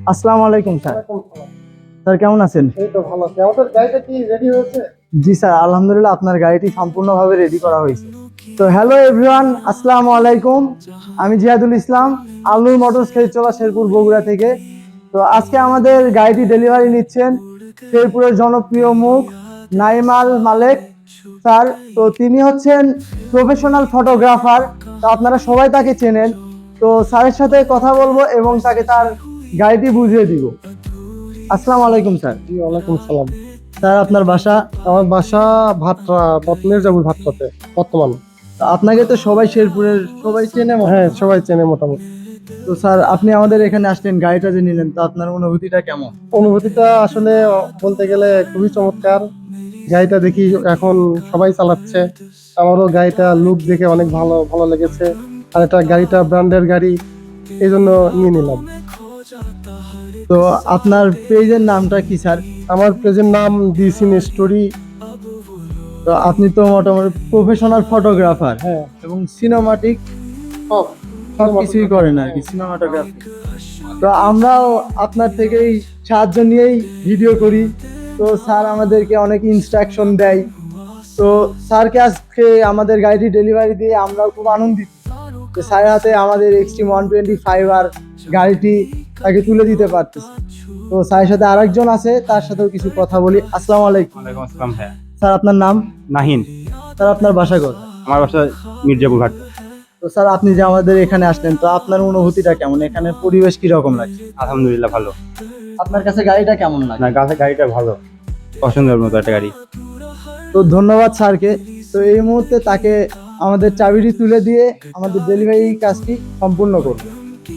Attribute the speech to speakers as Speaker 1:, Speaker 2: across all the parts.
Speaker 1: আসসালামু আলাইকুম sir. Sir কেমন আছেন?
Speaker 2: এই তো ভালো আছি। আমাদের গাড়িটা কি রেডি হয়েছে?
Speaker 1: জি স্যার, আলহামদুলিল্লাহ আপনার গাড়িটি সম্পূর্ণভাবে রেডি করা হয়েছে। তো হ্যালো এভরিওয়ান, আসসালামু আলাইকুম। আমি জিয়াদুল ইসলাম, আলনুর মোটরস খেজচলা শেরপুর বগুড়া থেকে। তো আজকে আমাদের গাড়িটি ডেলিভারি নিচ্ছেন শেরপুরের জনপ্রিয় মুখ নাইমাল মালেক স্যার। তো তিনি হচ্ছেন প্রফেশনাল ফটোগ্রাফার। তো আপনারা সবাই তাকে চেনেন। তো স্যারের সাথে কথা বলবো এবং তাকে তার গাড়িটি বুঝিয়ে দিব। আসসালামু আলাইকুম স্যার।
Speaker 2: জি, ওয়ালাইকুম সালাম।
Speaker 1: স্যার আপনার বাসা?
Speaker 2: আমার বাসা ভাটরা, মির্জাপুর ভাটরাতে বর্তমান।
Speaker 1: আপনাকে তো সবাই শেরপুরের সবাই চেনে
Speaker 2: হ্যাঁ, সবাই চেনে মোটামুটি।
Speaker 1: তো স্যার আপনি আমাদের এখানে আসলেন, গাড়িটা যে নিলেন, তো আপনার অনুভূতিটা কেমন?
Speaker 2: অনুভূতিটা আসলে বলতে গেলে খুবই চমৎকার। গাড়িটা দেখি এখন সবাই চালাচ্ছে, আমারও গাড়িটা লুক দেখে অনেক ভালো ভালো লেগেছে। আর এটা গাড়িটা ব্র্যান্ডের গাড়ি, এই জন্য নিয়ে নিলাম।
Speaker 1: তো আপনার পেজের নামটা কি স্যার?
Speaker 2: আমার পেজের নাম দিস ইন স্টোরি।
Speaker 1: তো আপনি তো মোটামুটি প্রফেশনাল ফটোগ্রাফার
Speaker 2: হ্যাঁ,
Speaker 1: এবং সিনেমাটিক
Speaker 2: সব
Speaker 1: সব কিছুই করেন আর কি, সিনেমাটোগ্রাফি। তো আমরাও আপনার থেকেই সাহায্য নিয়েই ভিডিও করি। তো স্যার আমাদেরকে অনেক ইনস্ট্রাকশন দেয়। তো স্যারকে আজকে আমাদের গাড়িটি ডেলিভারি দিয়ে আমরাও খুব আনন্দিত যে স্যারের হাতে আমাদের এক্সট্রিম 125 আর গাড়িটি তাকে তুলে দিতে পারতেছি। তো স্যারের সাথে আরেকজন আছে, তার সাথেও কিছু কথা বলি। আসসালামু আলাইকুম।
Speaker 3: ওয়ালাইকুম আসসালাম ভাইয়া।
Speaker 1: স্যার আপনার নাম?
Speaker 3: নাহিন।
Speaker 1: স্যার আপনার বাসা কোথায়?
Speaker 3: আমার বাসা মির্জাপুর ঘাট।
Speaker 1: তো স্যার আপনি যে আমাদের এখানে আসলেন, তো আপনার অনুভূতিটা কেমন? এখানে পরিবেশ কিরকম লাগছে?
Speaker 3: আলহামদুলিল্লাহ ভালো।
Speaker 1: আপনার কাছে গাড়িটা কেমন লাগে?
Speaker 3: না, গাড়িটা ভালো, পছন্দের মতো একটা গাড়ি।
Speaker 1: তো ধন্যবাদ স্যারকে। তো এই মুহূর্তে তাকে আমাদের চাবিটি তুলে দিয়ে আমাদের ডেলিভারি কাজটি সম্পূর্ণ করব।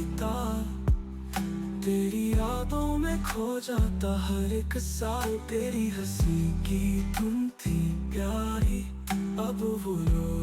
Speaker 4: तेरी यादों में खो जाता हर एक साल, तेरी हंसी की तुम थी प्यारी, अब वो